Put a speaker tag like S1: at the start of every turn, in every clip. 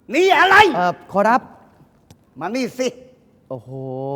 S1: นี่อะไร
S2: ขอรับ
S1: มานี่สิ
S2: โอ้โห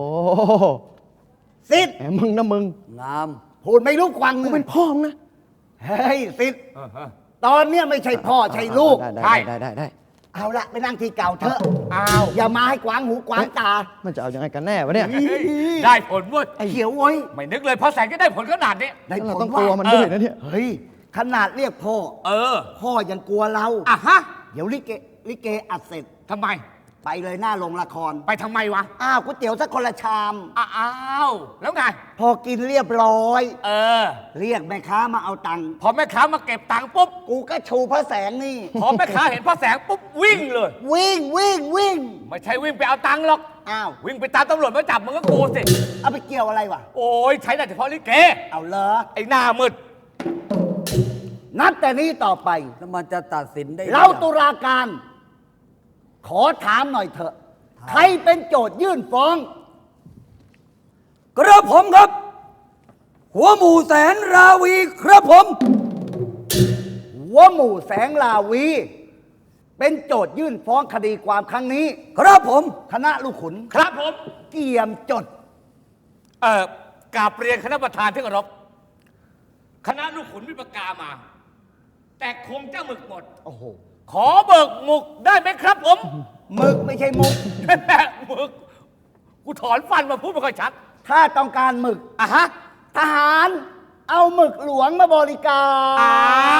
S1: สิทธิ์
S2: แหมมึงนะมึง
S3: งาม
S1: พูดไม่รู้ควัง
S2: กูเป็นพ่อมึงนะ
S1: เฮ้ยสิทธิ์ตอนเนี้ยไม่ใช่พ่อใช่ลูก
S2: ได้
S1: เอาละไปนั่งที่เก่าเถอะ
S4: อ้าว
S1: อย่ามาให้กวางหูกวางตา
S2: มันจะเอายังไงกันแน่วะเนี่ย
S4: ได้ผลเว้ย
S1: เขียวเว้ย
S4: ไม่นึกเลยเพราะแสงจะได้ผลขนาดนี้
S1: ได้ผ
S2: เรา
S1: ล
S2: ต้องกลัวมันด้วยนะเนี่ย
S1: เฮ้ยขนาดเรียกพ่อ
S4: เออ
S1: พ่อยังกลัวเรา
S4: อ่ะฮะ
S1: เดี๋ยวลิเกอัดเสร็จ
S4: ทำไม
S1: ไปเลยหน้าโรงละคร
S4: ไปทำไมวะ
S1: อ้าวก๋วยเตี๋ยวสักคนละชาม
S4: อ้าวแล้วไง
S1: พอกินเรียบร้อย
S4: เออ
S1: เรียกแม่ค้ามาเอาตังค์
S4: พอแม่ค้ามาเก็บตังค์ปุ๊บ
S1: กูก็ชูพระแสงนี่
S4: พอแม่ค้าเห็นพระแสงปุ๊บวิ่งเลย
S1: วิ่งวิ่งวิ่ง
S4: ไม่ใช่วิ่งไปเอาตังค์หรอก
S1: อ้าว
S4: วิ่งไปตามตำรวจมาจับมึงก็กูสิ
S1: เอาไปเกี่ยวอะไรวะ
S4: โอ้ยใช้ได้เฉพาะลิเก
S1: เอาเหรอ
S4: ไอ้หน้ามืด
S1: นับแต่นี้ต่อไป
S3: แล้วมันจะตัดสินได้
S1: เราตุลาการ ขอถามหน่อยเถอะ ใครเป็นโจทยื่นฟ้อง
S3: กระผมครับ หัวหมู่แสนราวีครับผม
S1: หัวหมู่แสงลาวี เป็นโจทยื่นฟ้องคดีความครั้งนี้
S3: ครับผม
S1: คณะลูกขุน
S4: ครับผม
S1: เกี่ยมจด
S4: กราบเรียนคณะประธานที่เคารพคณะลูกขุนวิปกามา แต่คงจะหมึกหมด
S1: โอ้โห
S4: ขอเบิกหมึกได้ไหมครับผม
S1: หมึกไม่ใช่มุก
S4: หมึกกูถอนฟันมาพูดไม่ค่อยชัด
S1: ถ้าต้องการหมึก
S4: อ่ะฮะ
S1: ทหารเอาหมึกหลวงมาบริการ
S4: อ้าว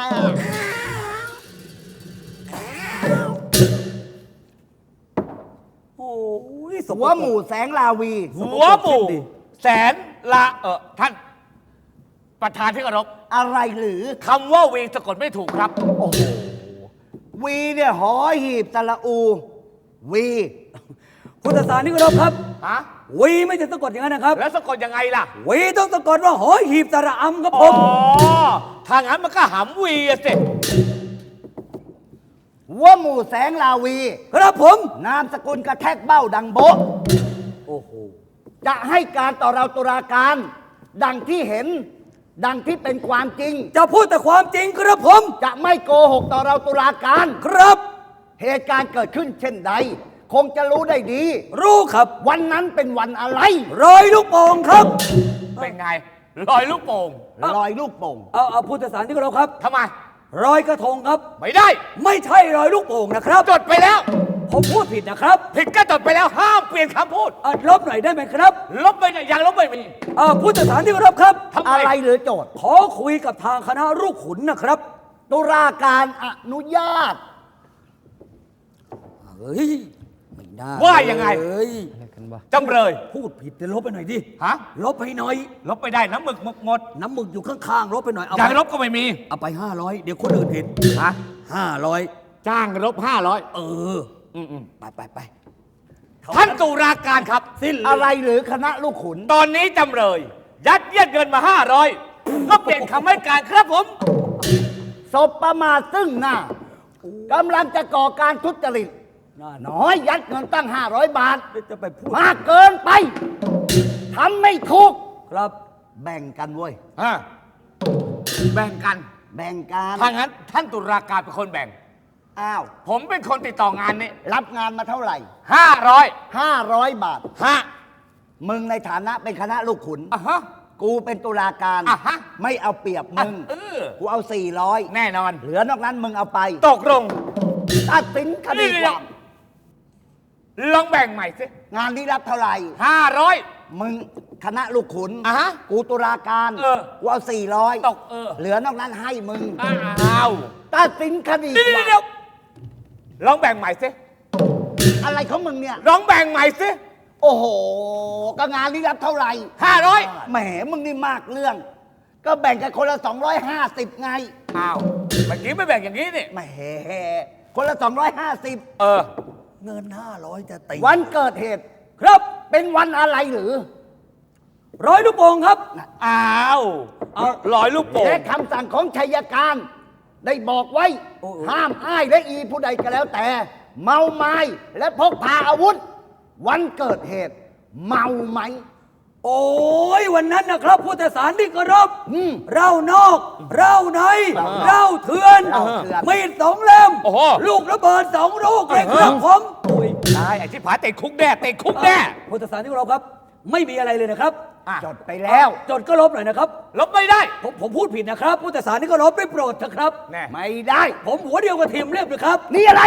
S3: โอ้ยส
S1: หัวหมู่แสงลาวี
S4: หัวหมู่แสนละท่าน ประธานที่เคารพ
S1: อะไรหรือ
S4: คำว่าวีสะกดไม่ถูกครับ
S1: โอ้โห วีเนี่ยหอหีบตะละอู วี
S3: พุทธศาสนิกรบครับ
S4: ฮะ
S3: วีไม่จะสะกดอย่างนั้นนะครับ
S4: แล้วสะกดยังไงล่ะ
S3: วีต้องสะกดว่าหอหีบตระอำครับผ
S4: อ๋อ
S3: ม
S4: ถ้างั้นมันก็หำวีอะสิ
S1: หัวหมู่แสงลาวี
S3: ครับผม
S1: นามสกุลกระแทกเบ้าดังโบะ
S3: โอ้โห
S1: จะให้การต่อเราตุลาการ ดังที่เห็น ดังที่เป็นความจริง
S3: จะพูดแต่ความจริงครับผม
S1: จะไม่โกหกต่อเราตุลาการ
S3: ครับ
S1: เหตุการณ์เกิดขึ้นเช่นใด คงจะรู้ได้ดี
S3: รู้ครับ
S1: วันนั้นเป็นวันอะไร
S3: รอยลูกโป่งครับ
S4: เป็นไงลอยลูกโป่ง
S1: ลอยลูกโป่ง
S3: เอาพุทธศาสนิกรบครับ
S4: ทำไม
S3: รอยกระทงครับ
S4: ไม่ได้
S3: ไม่ใช่รอยลูกโป่งนะครับ
S4: จดไปแล้ว
S3: ผมพูดผิดนะครับ
S4: ผิดก็จดไปแล้วห้ามเปลี่ยนคำพูด
S3: ลบหน่อยได้ไหมครับ
S4: ลบไปเนี่ยยังลบไม่มี
S3: พุทธศาสนิกรบครับ
S4: ทำไม
S1: อะไรหรือโจทย์
S3: ขอคุยกับทางคณะลูกขุนนะครับ
S1: ตุลาการอนุญาต
S3: เฮ้ย ไม่ได้
S4: ว่ายังไง
S3: เฮ้ย
S2: อะไรกันวะ
S4: จำเลย
S3: พูดผิดเดี๋ยวลบไปหน่อยดิ
S4: ฮะ
S3: ลบให้หน่อย
S4: ลบไปได้น้ำหมึกหมด
S3: น้ำหมึกอยู่ข้างๆ ลบไปหน่อย เอา
S4: อยาก
S3: ไป
S4: ลบก็ไม่มี
S3: เอาไป500 เดี๋ยวคนอื่นเห็น
S4: ฮะ
S3: 500
S4: จ้างลบ500
S3: เออ
S4: อืม
S3: ไป
S4: ท่านตุลาการครับ
S3: สิ้น
S1: อะไรหรือคณะลูกขุน
S4: ตอนนี้จำเลย ยัดเยียดเงินมา500ก็เปลี่ยนคำให้การครับผม
S1: ศพประมาทซึ่งหน้า กำลังจะก่อการทุจริต
S3: น่า
S1: น้อยยัดเงินตั้ง 500 บาท
S3: จะไปพูด
S1: มากเกินไป ทำไม่ถูก
S3: ครับ
S1: แบ่งกันเว้ย
S4: แบ่งกัน
S1: แบ่งกัน
S4: ถ้างั้นท่านตุลาการเป็นคนแบ่ง
S1: อ้าว
S4: ผมเป็นคนติดต่องานนี้
S1: รับงานมาเท่าไหร่
S4: 500
S1: 500 บาท
S4: ฮะ
S1: มึงในฐานะเป็นคณะลูกขุน
S4: อ่ะฮะ
S1: กูเป็นตุลาการ
S4: อ่ะฮะ
S1: ไม่เอาเปรียบมึง
S4: เออ
S1: กูเอา 400
S4: แน่นอน
S1: เหลือนอกนั้นมึงเอาไป
S4: ตกลง
S1: ตัดสินคดีความ
S4: ลองแบ่งใหม่สิ
S1: งานนี้รับเท่าไหร่
S4: 500
S1: มึงคณะลูกขุน
S4: อ่ะฮะ
S1: กูตุลาการ
S4: เออ
S1: กูเอา 400
S4: ตก
S1: เหลือนอกนั้นให้มึง
S4: อ้าว
S1: ตัดสินคดี
S4: เดี๋ยวลองแบ่งใหม่สิ
S1: อะไรของมึงเนี่ย
S4: ลองแบ่งใหม่สิ
S1: โอ้โห ก็งานนี้รับเท่าไหร่
S4: 500
S1: แหมมึงนี่มากเรื่อง ก็แบ่งกันคนละ 250 ไง
S4: อ้าวเมื่อกี้ไม่แบ่งอย่างนี้นี่
S1: แหมคนละ 250
S4: เออ
S3: เงิน500 จะตี
S1: วันเกิดเหตุ
S3: ครับ
S1: เป็นวันอะไรหรือ
S3: ร้อยลูกโป่งครับ
S4: อ้าวลอยลูกโป่ง
S1: และคำสั่งของชัยการ ได้บอกไว้
S3: โอ้โอ้
S1: ห้ามอ้ายและอีผู้ใดก็แล้วแต่ เมาไม้และพกพาอาวุธ วันเกิดเหตุ เมาไหม
S3: โอ้ยวันนั้นนะครับพุทธศาสนิกเคารพ
S1: ม
S3: เรานอก เราใน เราเถื่อน
S1: เราเถื่อน
S3: มีด2 เล่ม
S4: โอ้โห
S3: ลูกระเบิด2 ลูกเลยครับผมอุ้ย
S4: ตายไอ้ที่ผาติดคุกแน่ติดคุกแน่
S3: พุทธศาสนิกเคารพครับ ไม่มีอะไรเลยนะครับ
S1: จดไปแล้ว
S3: จดก็ลบหน่อยนะครับ
S4: ลบไม่ได้
S3: ผมพูดผิดนะครับพุทธศาสนิกเคารพได้โปรดเถอะครับ
S4: แน่
S1: ไม่ได้
S3: ผมหัวเดียวกับทีมเรียบเลยครับ
S1: นี่อะไร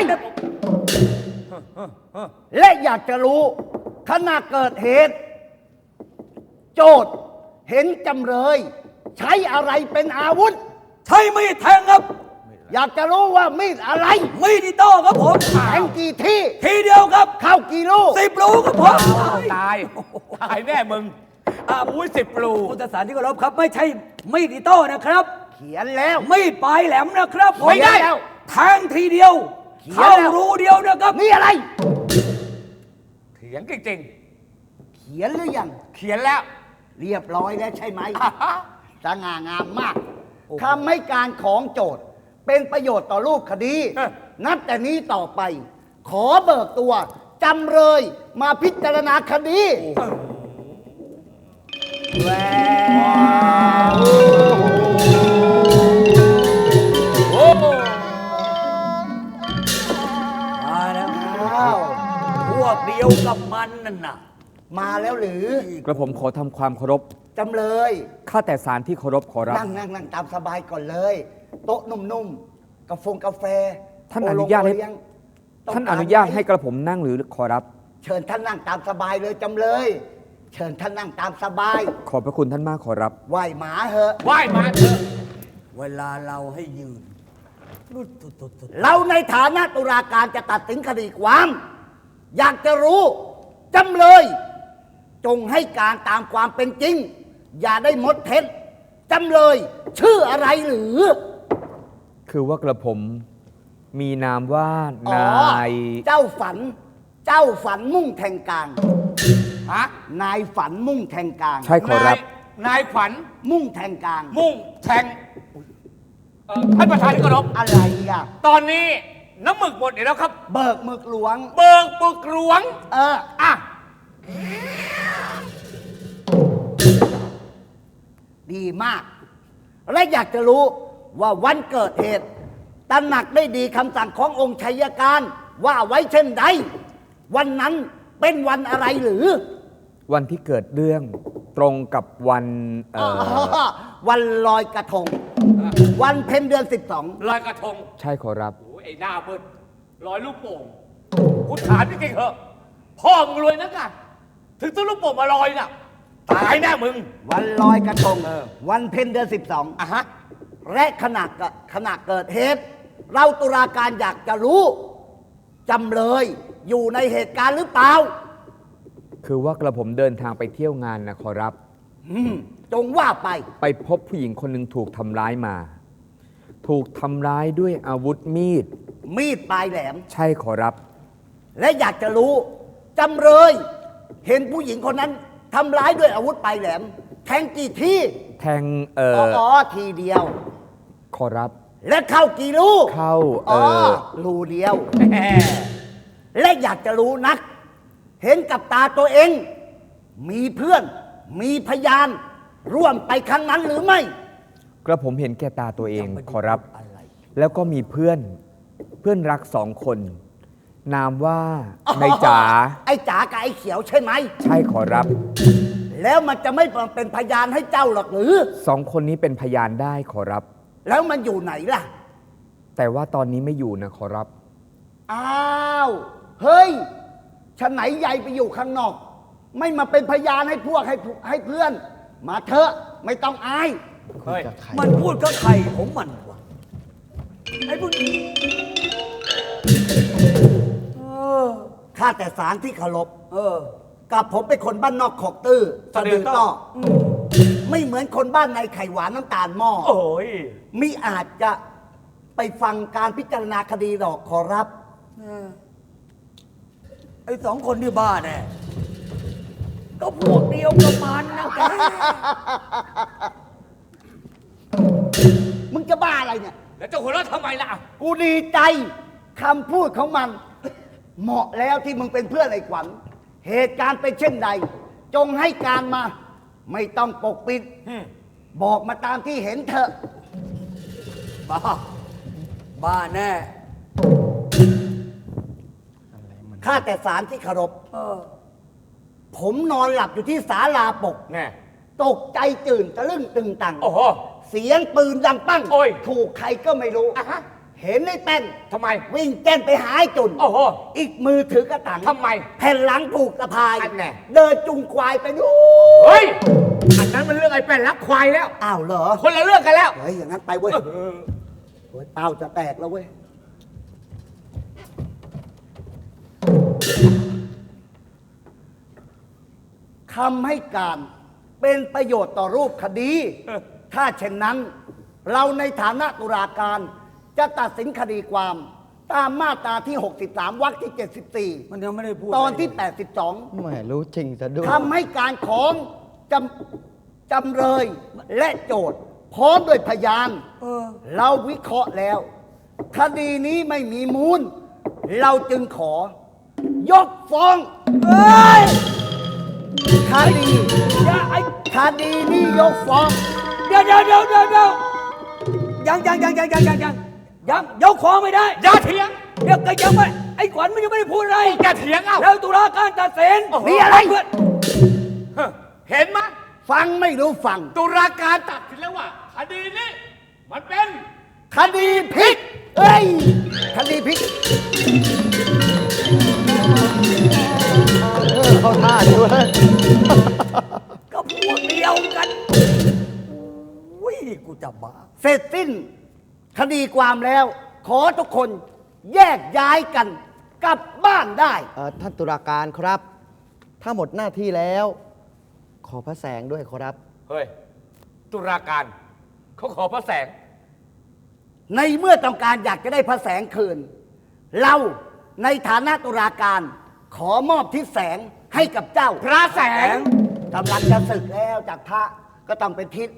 S1: และอยากจะรู้ขณะเกิดเหตุ โจทย์เห็นจำเลย ใช้อะไรเป็นอาวุธ
S3: ใช้มีดแทงครับ
S1: อยากจะรู้ว่ามีดอะไร
S3: มีดอิโต้ครับผม
S1: แทงกี่ที่
S3: ทีเดียวครับ
S1: เข้ากี่ลูก
S3: 10 ลูกครับผม
S4: ตายตายแน่มึงอุ้ย10 ปลู
S3: พุทธศาสนิกเคารพครับ ไม่ใช่มีดอิโต้นะครับ
S1: เขียนแล้ว
S3: มีดปลายแหลมนะครับผ
S1: ไม่ได้แล้ว
S3: แทงทีเดียว
S1: เขียน
S3: เข้า
S1: แล้ว
S3: รูเดียวนะครับ
S1: นี่อะไร
S4: เถียงจริง
S1: เขียนหรือยัง
S4: ๆเขียนแล้ว
S1: เรียบร้อยแล้วใช่ไหม สง่างามมากคำให้การของโจทย์เป็นประโยชน์ต่อรูปคดี
S4: เออ
S1: นับแต่นี้ต่อไป ขอเบิกตัวจำเลยมาพิจารณาคดีแหวว
S4: โอ้โห
S3: มาแล้ว
S1: อ้าว
S3: พวกเดียวกับมันนั่นน่ะ
S1: มาแล้วหรือก
S5: ระผมขอทำความเคารพ
S1: จำเลย
S5: ข้าแต่ศาลที่เคารพขอรับ
S1: นั่งตามสบายก่อนเลย โต๊ะนุ่มๆกาแฟ
S5: ท่านอนุญาตให้
S1: โอเลี้ยงต้ง
S5: ท่าน
S1: กร
S5: อนุญาต
S1: ไม
S5: ให้กระผมนั่งหรือขอรับ
S1: เชิญท่านนั่งตามสบายเลยจำเลย เชิญท่านนั่งตามสบาย
S5: ขอบพระคุณท่านมากขอรับ
S1: ไหวหมาเหอะ
S4: ไหว้มาเถอะ
S3: เวลาเราให้ยืนรุดตุดตุดตุด
S1: เราในฐานะตุลาการจะตัดสินคดีความ อยากจะรู้จำเลย จงให้การตามความเป็นจริง อย่าได้มดเท็จจำเลย ชื่ออะไรหรือ
S5: คือว่ากระผมมีนามว่า
S1: อ๋อน
S5: าย
S1: เจ้าฝันมุ่งแทงกลาง
S4: ฮะ
S1: นายฝันมุ่งแทงกลาง
S5: ใช่ขอรับ
S4: นายขวัญ
S1: มุ่งแทงกลาง
S4: มุ่งแทงท่านประธานที่เคารพ
S1: อะไรอ่ะ
S4: ตอนนี้น้ำหมึกหมดแล้วครับ
S1: เบิกหมึกหลวง
S4: เบิกปึกหลวง อ่ะ
S1: ดีมาก และอยากจะรู้ว่าวันเกิดเหตุตระหนักได้ดีคำสั่งขององค์ชัยการว่าไว้เช่นใด วันนั้นเป็นวันอะไรหรือ
S5: วันที่เกิดเรื่องตรงกับวัน
S1: วันลอยกระทง วันเพ็ญเดือน
S4: ลอยกระทง
S5: ใช่ขอรับ
S4: โอ้ยไอ้หน้าเบิ้ลลอยลูกโป่งกูถามจริงๆเหอะ พ่อมึงรวยนักอะถึงซื้อลูกโป่งมาลอยน่ะ ตายแน่มึง
S1: 12 วันลอยกระทง วันเพ็ญเดือน
S4: อ่ะฮะ
S1: 12 และขณะเกิดเหตุ เราตุลาการอยากจะรู้จำเลยอยู่ในเหตุการณ์หรือเปล่า
S5: คือว่ากระผมเดินทางไปเที่ยวงานนะขอรับ
S1: จงว่าไป
S5: ไปพบผู้หญิงคนหนึ่งถูกทำร้ายมา ถูกทำร้ายด้วยอาวุธมีด
S1: มีดปลายแหลม
S5: ใช่ขอรับ
S1: และอยากจะรู้จำเลย เห็นผู้หญิงคนนั้นทำร้ายด้วยอาวุธปลายแหลม แทงกี่ที่
S5: แทง
S1: ทีเดียว
S5: ขอรับ
S1: และเข้ากี่ลูก
S5: เข้า
S1: รูเดียว
S4: แหม
S1: และอยากจะรู้นัก เห็นกับตาตัวเอง มีเพื่อน มีพยาน ร่วมไปครั้งนั้นหรือไม่
S5: กระผมเห็นแก่ตาตัวเองขอรับ แล้วก็มีเพื่อนรัก2 คน นามว่านายจ๋า
S1: ไอ้จ๋ากับไอ้เขียวใช่ไหม
S5: ใช่ขอรับ
S1: แล้วมันจะไม่เป็นพยานให้เจ้าหรอกหรือ
S5: 2 คนนี้เป็นพยานได้ขอรับ
S1: แล้วมันอยู่ไหนล่ะ
S5: แต่ว่าตอนนี้ไม่อยู่นะขอรับ
S1: อ้าว เฮ้ยฉันไหนใหญ่ไปอยู่ข้างนอก ไม่มาเป็นพยานให้พวกให้เพื่อน มาเถอะไม่ต้องอาย
S4: เฮ้ย
S3: มันพูดกับใครของมันวะไอ้พวกนี้
S1: ข้าแต่สารที่เคารพกับผมเป็นคนบ้านนอกขอกตื้อ
S4: สะดือต้อ
S1: ไม่เหมือนคนบ้านในไข่หวานน้ำตาลหม้อ
S4: โอ้ย
S1: มิอาจจะไปฟังการพิจารณาคดีหรอกขอรับ
S3: ไอ้2 คนที่บ้านเนี่ยก็พวกเดียวกับมันนะแก
S1: มึงจะบ้าอะไรเนี่ย
S4: แล้วเจะหัวเราะทำไมล่ะ
S1: กูดีใจคำพูดของมัน เหมาะแล้วที่มึงเป็นเพื่อนไอ้ขวัญ เหตุการณ์เป็นเช่นใด จงให้การมาไม่ต้องปกปิด บอกมาตามที่เห็นเถอะ
S3: บ้า บ้าแน่
S1: ข้าแต่ศาลที่เคารพ
S3: เออ
S1: ผมนอนหลับอยู่ที่ศาลาปก
S4: แน่
S1: ตกใจตื่นตะลึงตึงตัง
S4: โอ้โห
S1: เสียงปืนดังปั้ง
S4: โอ้ย
S1: ถูกใครก็ไม่รู้
S4: อ่ะฮะ
S1: เห็นไอ้เต้น
S4: ทำไม
S1: วิ่งแจ้นไปหาไอ้จุน
S4: โอ้โห
S1: อีกมือถือกระตัง
S4: ทำไม
S1: แผ่นหลังผูกสะพาย
S4: อันแน่
S1: เดินจุงควายไปนู่น
S4: เฮ้ย อันนั้นมันเรื่องไอ้แป้นรักควายแล้ว
S1: อ้าวเหรอ
S4: คนละเรื่องกันแล้ว
S1: เฮ้ยอย่างนั้นไปเว้ยโอ้ยเป้าจะแตกแล้วเว้ย คำให้การเป็นประโยชน์ต่อรูปคดี ถ้าเช่นนั้น เราในฐานะตุลาการจะตัดสินคดีความ ตามมาตราที่ 63 วรรคที่
S3: มันยังไม่ได้พูด
S1: 74 ตอนที่
S2: ไม่รู้จริงซะด้วย
S1: 82 คำให้การของจำเลยและโจทย์ พร้อมด้วยพยาน
S3: เออ
S1: เราวิเคราะห์แล้ว คดีนี้ไม่มีมูล เราจึงขอ ยกฟ้อง
S3: เฮ้ย
S1: คดี
S3: อย่าไอ้
S1: คดีนี้ยกฟ้อง
S3: เดี๋ยวยังยกของไม่ได้
S4: อย่าเถียง
S3: เดี๋ยวก็ยังไม่ไอ้ขวัญมันยังไม่ได้พูดอะไร
S4: อย่าเถียงเอ้า
S3: แล้วตุลาการตัดสิน
S4: โอ้โห
S1: มีอะไร
S3: เพื่อน
S4: เห็นไหมย
S1: ฟังไม่รู้ฟัง
S4: ตุลาการตัดสินแล้วว่า คดีนี้ มันเป็น
S1: คดีพลิกเอ้ย คดีพลิก
S2: เข้าท่าด้วย
S3: ก็พวกเดียวกันอุ้ยกูจะบ้า
S1: เสร็จสิ้น คดีความแล้ว ขอทุกคนแยกย้ายกันกลับบ้านได้
S2: ท่านตุลาการครับ ถ้าหมดหน้าที่แล้ว ขอพระแสงด้วยครับ
S4: เฮ้ย ตุลาการเขาขอพระแสง
S1: ในเมื่อต้องการอยากจะได้พระแสงคืน เราในฐานะตุลาการ ขอมอบทิศแสงให้กับเจ้า
S4: พระแสง
S1: กำลังจะศึกแล้วจากพระก็ต้องเป็นทิศ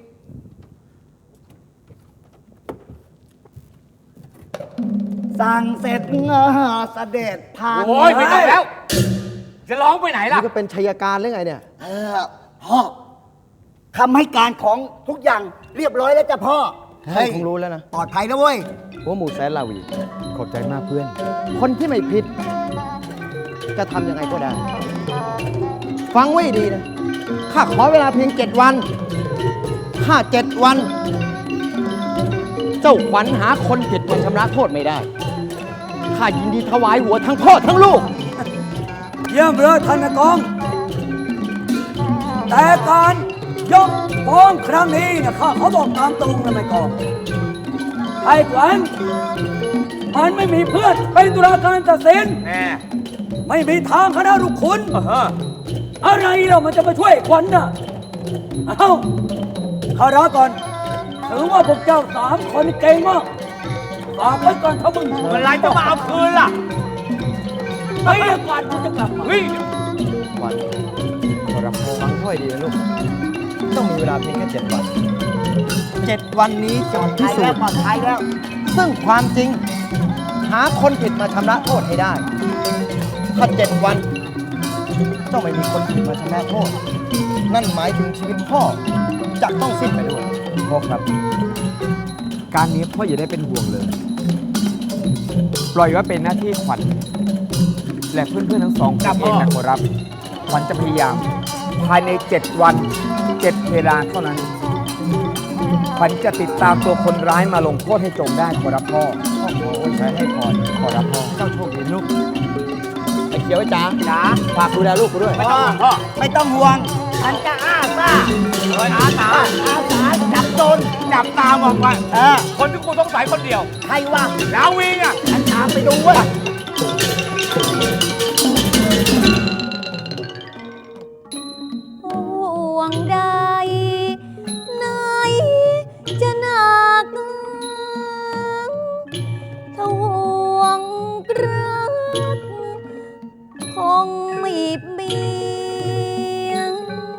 S1: สั่งเสร็จเสด็จผ่าน
S4: โอ้ยไม่ต้องแล้ว จะร้องไปไหนล่ะ
S2: นี่ก็เป็นชัยการหรือไงเนี่ย
S1: พ่อคำให้การของทุกอย่างเรียบร้อยแล้วจ้ะพ่อ
S2: ท่านคงรู้แล้วนะ
S1: ปลอดภัยแล้วเว้ย
S2: หัวหมูแสนลาวี
S5: ขอบใจมากเพื่อน
S2: คนที่ไม่ผิด จะทำยังไงก็ได้ ฟังไว้ดีนะ ข้าขอเวลาเพียง 7 วัน ถ้า 7 วัน เจ้าขวัญหาคนผิดมาชำระโทษไม่ได้ ข้ายินดีถวายหัวทั้งพ่อทั้งลูก
S3: เยี่ยมเลยท่านนายกอง แต่การยกฟ้องครั้งนี้นะข้าเขาบอกตามตรงนะนายกองไอ้ขวัญมันไม่มีเพื่อนเป็นตุลาการตัดสิน
S4: แน่
S3: ไม่มีทางคณะลูกขุน อะไรเรามันจะมาช่วยขวัญน่ะ เอ้าข้าร้าก่อน ถือว่าพวกเจ้า3 คนเก่งมากฝากไว้ก่อนถ้ามึง
S4: เมื่อไรจะมาเอาคืนล่ะ
S3: ไอ้เรื่องก่อนกูจะกลับมา
S4: เฮ้ย
S2: ขวัญขอรับฟังค่อยดีนะลูก ต้องมีเวลาเพียงแค่ 7 วัน 7 วันนี้จะพิ
S1: ใช่
S2: สู
S1: แล้ว
S2: จน์
S1: ปลอดภัยแล้ว
S2: ซึ่งความจริง หาคนผิดมาชำระโทษให้ได้ ถ้า 7 วันต้องไม่มีคนผิดมาชำระโทษ นั่นหมายถึงชีวิตพ่อจะต้องสิ้นไปด้วย
S5: พ่อครับ การนี้พ่ออย่าได้เป็นห่วงเลย ปล่อยไว้เป็นหน้าที่ขวัญและเพื่อนๆทั้งสองคนเองนะขอรับ ขวัญจะพยายาม ภายใน 7 วัน 7 เวลาเท่านั้น ขวัญจะติดตามตัวคนร้ายมาลงโทษให้จงได้ขอรับพ่อ
S2: พ่อขออวยชัยให้พร
S5: ขอรับพ่อ
S2: เจ้าโชคดีลูก ไอ้เขียวไอ้จ๋าฝากดูแลลูกกูด้วย
S1: ไม่ต้องห่วงพ่อ ไม่ต้องห่วง ฉันจะอาสา
S4: เฮ้ยอาสา
S1: อาสาจับโจร
S4: จับตามองไป
S1: อ
S4: คนที่กูสงสัยคนเดียว
S1: ใครวะ
S4: ลาวีอ่ะ
S1: ฉันตามไปดูเว้ย
S6: ห่วงใดไหนจะหนักถ้าห่วงรักคงไม่เบียง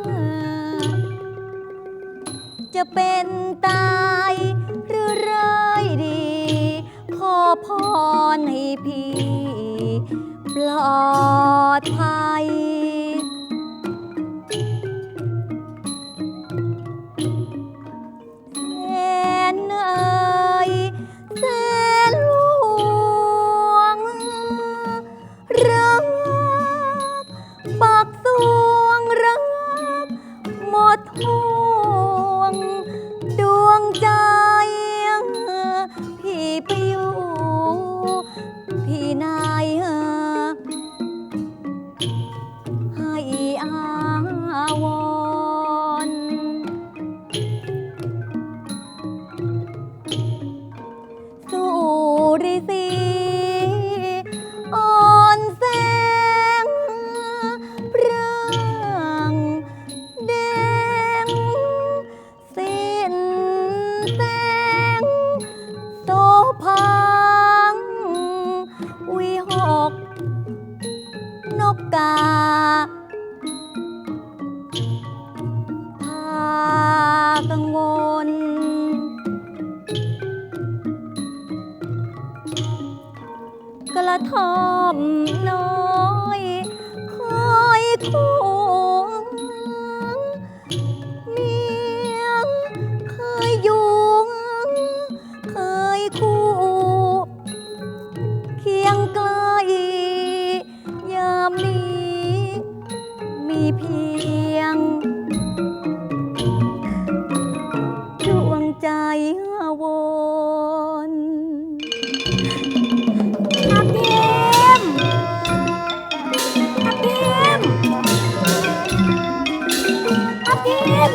S6: จะเป็นตายหรือร้ายดี ขอพรให้พี่ปลอดภัยรักปากสวงรักหมดห่วงดวงใจพี่ไปอยู่ที่ไหนให้อาวรณ์สุริสีอ่อนแสงพร่างแดงสิ้นแสงโสพังวิหกนกกาพากังวลกระท่อมน้อยคอยคู่เมียเคยอยู่เคยคู่เคียงไกลยามนี้มีเพียงดวงใจวน ทับทิมทับทิมทับทิม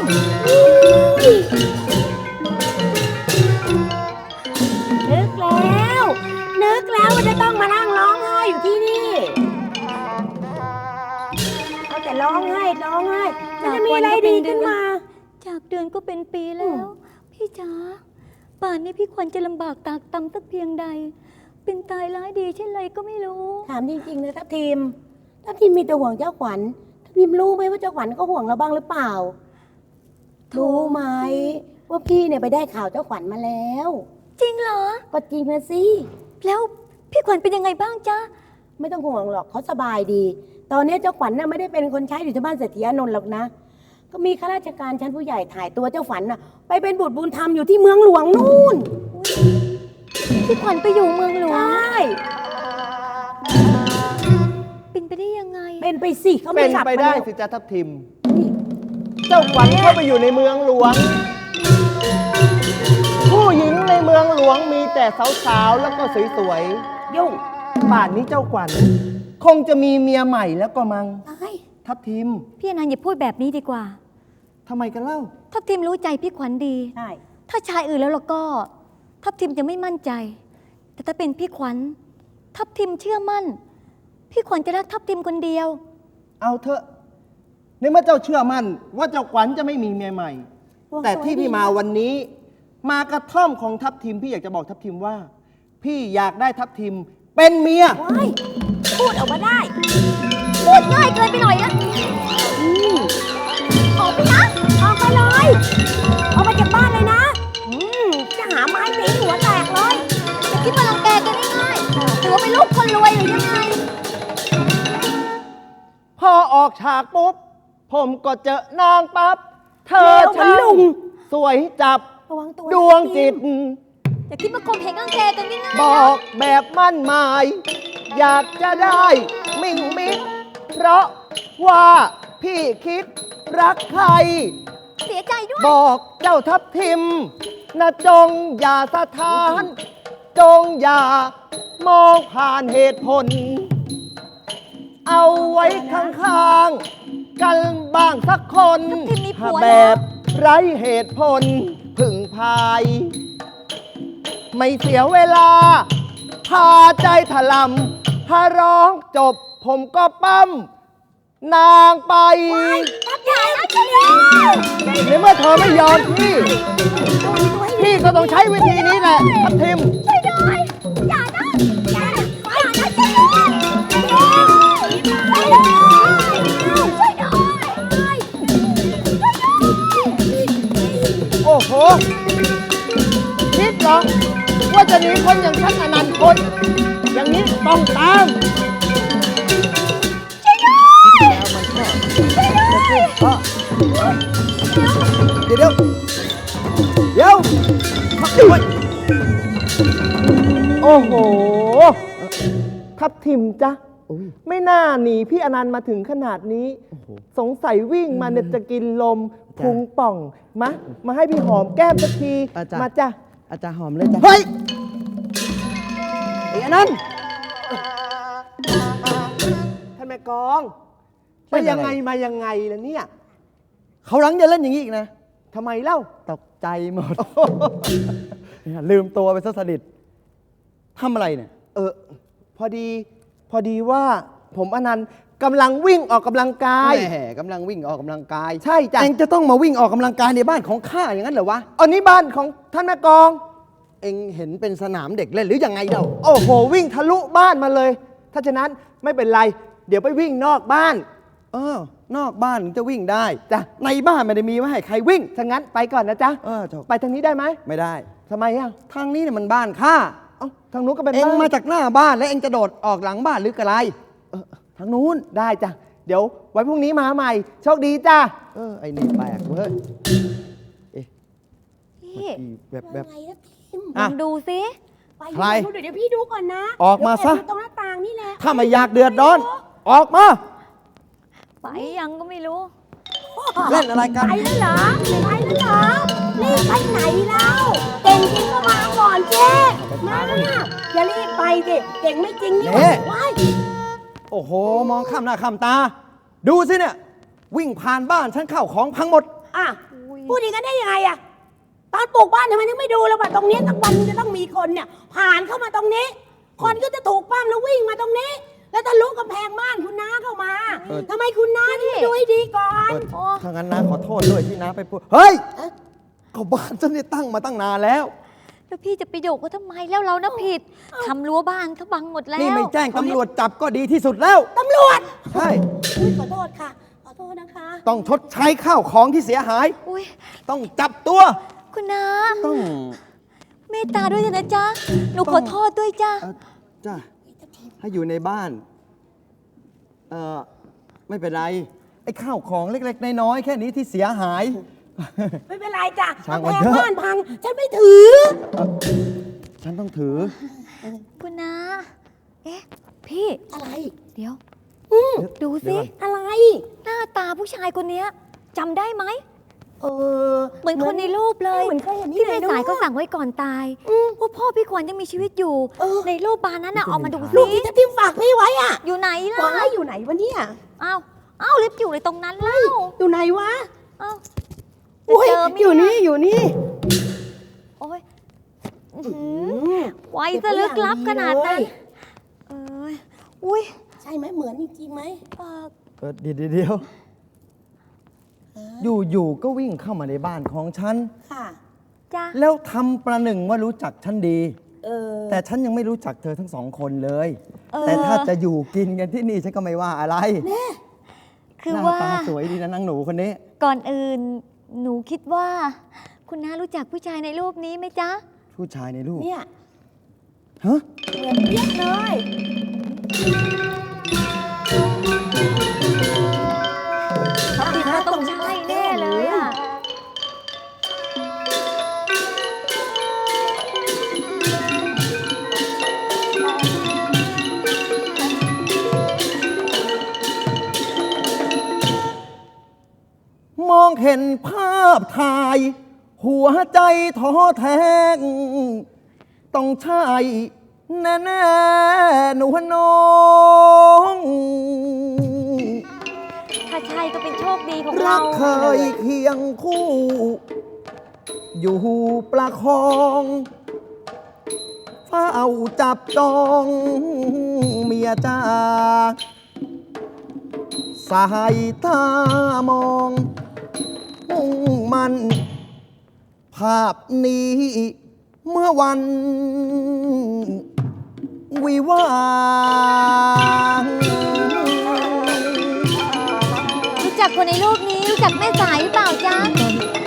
S6: นึกแล้วว่าจะต้องมานั่งร้องไห้อยู่ที่นี่เอาแต่ร้องไห้มันจะมีอะไรดีขึ้นมาจากเดือนก็เป็นปีแล้ว พี่จ๋าป่านนี้พี่ควรจะลำบากตากตำสักเพียงใดเป็นตายร้ายดีเช่นไรก็ไม่รู้
S7: ถามจริงๆนะทัพทีมมีแต่ห่วงเจ้าขวัญทัพทีมรู้ไหมว่าเจ้าขวัญก็ห่วงเราบ้างหรือเปล่ารู้ไหมว่าพี่เนี่ยไปได้ข่าวเจ้าขวัญมาแล้ว
S6: จริงเหรอ
S7: ก็จริงนะสิ
S6: แล้วพี่ขวัญเป็นยังไงบ้างจ๊ะ
S7: ไม่ต้องห่วงหรอกเขาสบายดี ตอนนี้เจ้าขวัญน่ะไม่ได้เป็นคนใช้อยู่ที่บ้านเศรษฐีอานนท์หรอกนะ ก็มีข้าราชการชั้นผู้ใหญ่ถ่ายตัวเจ้าขวัญน่ะไปเป็นบุตรบุญธรรมอยู่ที่เมืองหลวงนู่น
S6: พี่ขวัญไปอยู่เมืองหลว
S7: ใช
S6: ง่ เป็นไปได้ยังไง
S7: เป็นไปสิเขาไม่
S2: เป็น
S7: กลับ
S2: ไป
S7: มา
S2: ได้
S7: แล้ว
S2: สิจ๊ะทัพทิม เจ้าขวัญเข้าไปอยู่ในเมืองหลวง ผู้หญิงในเมืองหลวงมีแต่สาวๆแล้วก็สวย
S7: ยุ่ง
S2: ๆป่านนี้เจ้าขวัญคงจะมีเมียใหม่แล้วก็มัง
S7: ตาย
S2: ทัพทิม
S6: พี่อนันต์อย่าพูดแบบนี้ดีกว่า
S2: ทำไมกันเล่า
S6: ทัพทิมรู้ใจพี่ขวัญดี
S7: ใช่
S6: ถ้าชายอื่นแล้วเราก็ ทัพทิมจะไม่มั่นใจ แต่ถ้าเป็นพี่ขวัญ ทัพทิมเชื่อมั่น พี่ขวัญจะรักทัพทิมคนเดียว
S2: เอาเถอะในเมื่อเจ้าเชื่อมั่นว่าเจ้าขวัญจะไม่มีเมียใหม่ แต่ที่พี่มาวันนี้ มากระท่อมของทัพทิมพี่อยากจะบอกทัพทิมว่า พี่อยากได้ทัพทิมเป็นเมีย
S7: ว้ายพูดออกมาได้
S6: พูดง่ายเกินไปหน่อยนะออกไปนะ
S7: ออกมาเลยออกมาจากบ้านเลยนะจะหาไม้ตีหัวแตกเลย
S6: จะคิดว่ารังแกกันง่ายๆหรือว่าเป็นลูกคนรวยหรือยังไง
S2: พอออกฉากปุ๊บ ผมก็เจอนางปั๊บ เธอ
S7: แล้วมัน
S2: ช่าง
S7: ลุง
S2: สวยจับ
S7: ระวังตัว
S2: ดวงจิต
S6: อย่าคิดว่าคมเหงรังแกกันง่ายๆ
S2: บ
S6: นะ
S2: อกแบบมั่นหมาย อยากจะได้มิ่งมิด เพราะว่าพี่คิดรักใคร
S6: เสียใจด้วย
S2: บอกเจ้าทัพทิมนะจงอย่าสะท้าน จงอย่ามองผ่านเหตุผล เอาไว้ข้างๆกันบ้างสักคน
S6: ทัพทิมมีผัว
S2: แบ
S6: แล้ว
S2: บไร้เหตุผลพึ่งพาย ไม่เสียเวลา พาใจถลำถ้าร้องจบผมก็ปั้มนางไป
S7: อย่านะช่วยด้วย
S2: ในเมื่อเธอไม่ยอมพี่ พี่ก็ต้องใช้วิธีนี้แหละทัพทิม
S6: ช่วยด้วยอย่านะอย่านะอย่านะช่วยด้วยช่วยด้วยช่วยด้วย
S2: โอ้โห คิดเหรอ ว่าจะหนีคนอย่างฉันอนันต์คน อย่างนี้ต้องตามเดี๋ยวโอ้โห ทับทิมจ๊ะอุ๊ย
S8: ไม่น่าหนีพี่อนันต์มาถึงขนาดนี้ สงสัยวิ่งมาเนี่ยจะกินลมพุงป่องมาให้พี่หอมแก้มสักที
S2: อาจารย์
S8: มาจ้ะ
S2: อาจารย์หอมเลยจ้ะ เฮ้ยไอ้อันนั้น
S8: ท่านแม่กอง
S2: เล่
S8: ไป
S2: นอะไร
S8: ยังไงมายังไงล่ะเนี่ย
S2: เขาหลังจะเล่นอย่างนี้อีกนะ
S8: ทำไมเล่า
S2: ตกใจหมด ลืมตัวไปซะสนิททำอะไรเนี่ย
S8: พอดีว่าผมอนันต์กำลังวิ่งออกกำลังกาย
S2: แหมกำลังวิ่งออกกำลังกาย
S8: ใช่จ้ะ
S2: เองจะต้องมาวิ่งออกกำลังกายในบ้านของข้าอย่างนั้นเหรอวะ
S8: อันนี้บ้านของท่านแม่กอง
S2: เองเห็นเป็นสนามเด็กเล่นหรือยังไงเดา
S8: โอ้โห วิ่งทะลุบ้านมาเลย ถ้าฉะนั้นไม่เป็นไร เดี๋ยวไปวิ่งนอกบ้าน
S2: นอกบ้านถึงจะวิ่งได้
S8: จ้ะ
S2: ในบ้านไม่ได้มีไว้ให้ใครวิ่ง
S8: ถ้างั้นไปก่อนนะจ๊ะ
S2: ถูก
S8: ไปทางนี้ได้ไหม
S2: ไม่ได้
S8: ทำไมอ่ะ
S2: ทางนี้เนี่ยมันบ้านข้า
S8: เอ้าทางนู้นก็เป็น
S2: เอง
S8: บ้าน
S2: มาจากหน้าบ้านแล้วเองจะโดดออกหลังบ้านหรือกระไร
S8: ทางนู้นได้จ้ะ เดี๋ยวไว้พรุ่งนี้มาใหม่ โชคดีจ้ะ
S2: ไอ้นี่แปลกเว้ย
S6: พี่
S2: แบบ
S7: ไงนะพิมพ์
S6: ลองดูสิ
S7: ไป
S2: ใคร
S7: ดูเดี๋ยวพี่ดูก่อนนะ
S2: ออกมาซะ
S7: เดี๋ยวแอบดูตรงหน้าต่างนี่แหละ
S2: ถ้าไม่อยากเดือดร้อน ออกมา
S6: ไปยังก็ไม่รู้
S2: เล่นอะไรกัน
S7: ไปแล้วเหรอไปแล้วเหรอรีบไปไหนเล่าเก่งจริงก็มาก่อนเจ๊มาอย่ารีบไปสิเก่งไม่จริงนี่ห
S2: เน่
S7: ว่าว้าย
S2: โอ้โห มองข้ามหน้าข้ามตา ดูสิเนี่ย วิ่งผ่านบ้านฉันเข้าของพังหมด
S7: อ่ะพูดอย่างนั้นได้ยังไงอะตอนปลูกบ้านทำไมถึงไม่ดูแล้วว่าตรงนี้สักวันจะต้องมีคนเนี่ย ผ่านเข้ามาตรงนี้ คนก็จะถูกปั้มแล้ววิ่งมาตรงนี้ แล้วทะลุกำแพงบ้านคุณน้าเข้ามา
S2: เออ
S7: ทำไมคุณน้าถึงไม่ดูให้ดีก่อน
S2: ถ้างั้นนะขอโทษด้วยที่น้าไปพูด เฮ้ยก็บ้านฉันเนี่ยตั้งมาตั้งนานแล้ว
S6: แล้วพี่จะไปโยกเขาทำไมแล้วเรานะผิดทำรั้วบ้านเขาบังหมดแล้ว
S2: นี่ไม่แจ้งตำรวจจับก็ดีที่สุดแล้ว
S7: ตำรวจ
S2: ใช่
S7: อุ๊ยขอโทษค่ะ ขอโทษนะคะ
S2: ต้องชดใช้ข้าวของที่เสียหาย
S6: อุ้ย
S2: ต้องจับตัว
S6: คุณน้า
S2: ต้อง
S6: เมตตาด้วยเถอะนะจ๊ะ หนูขอโทษด้วยจ้ะ
S2: จ้าให้อยู่ในบ้าน ไม่เป็นไร ไอ้ข้าวของเล็กๆน้อยๆแค่นี้ที่เสียหาย
S7: ไม่เป็นไรจ้ะ
S2: ช่าง
S7: กำ
S2: มัน
S7: แพง
S2: เถอะ
S7: บ้านพัง ฉันไม่ถือ
S2: ฉันต้องถือ
S6: คุณน้า เอ๊ะ พี่
S7: อะไร
S6: เดี๋ยว
S2: เดี๋ยว
S6: ดู
S2: เดี๋
S6: สิ
S2: ยวก่อน
S7: อะไร
S6: หน้าตาผู้ชายคนเนี้ยจำได้ไหม
S7: เออ
S6: เหมือนคนในรูปเลย
S7: เหมือนเคยเห็นที่
S6: ที่
S7: ไหน
S6: แม่สาย
S7: ด้วย
S6: เขาสั่งไว้ก่อนตายว่าพ่อพี่ขวัญยังมีชีวิตอยู่
S7: เออ
S6: ในรูปบานนั้นน่ะเอามาดู
S7: ลู
S6: สิ
S7: กที่ทัพทิมฝากพี่ไว้อ่ะ
S6: อยู่ไหนล่ะ
S7: ว้ายอยู่ไหนวะเนี่ย
S6: อ้าวลิฟต์อยู่ในตรงนั้นแล้ว
S7: อยู่ไหนวะ
S6: อ้าวจะ
S7: อุ้ย
S6: เจอไหม
S7: อยู่นี่อยู่นี่
S6: โอ้ยอื้อหือไว้ซะลึกลับขนาดนั้น เอ้ยอุ้ย
S7: ใช่ไหมเหมือนจริงๆไหม
S2: เดี๋ยวอยู่ๆก็วิ่งเข้ามาในบ้านของฉัน
S7: ค่ะ
S6: จ้ะ
S2: แล้วทำประหนึ่งว่ารู้จักฉันดี
S7: เออ
S2: แต่ฉันยังไม่รู้จักเธอทั้งสองคนเลย
S6: เออ
S2: แต่ถ้าจะอยู่กินกันที่นี่ฉันก็ไม่ว่าอะไร
S6: คือ
S2: หน้า
S6: ว่า
S2: ตาสวยดีนะนางหนูคนนี้
S6: ก่อนอื่น หนูคิดว่า คุณน้ารู้จักผู้ชายในรูปนี้ไหมจ๊ะ
S2: ผู้ชายในรูป
S7: เนี่ย
S2: ฮะ
S7: เหมือนเปียกเลย
S6: เขาติดมาต้องใช่แน่เลยอ่ะ
S2: มองเห็นภาพถ่าย หัวใจท้อแท้งต้องใช่แน่ๆหนูน้อง
S6: ถ้าใช่ก็เป็นโชคดีของ
S2: รั
S6: เรา
S2: กเคยเคียงคู่ อยู่ประคองเฝ้าจับจองเมียจ้าสายตามองมุ่งมัน ภาพนี้เมื่อวัน วิวาห์
S6: รู้จักคนในรูปนี้รู้จักแม่สายหรือเปล่าจ๊ะ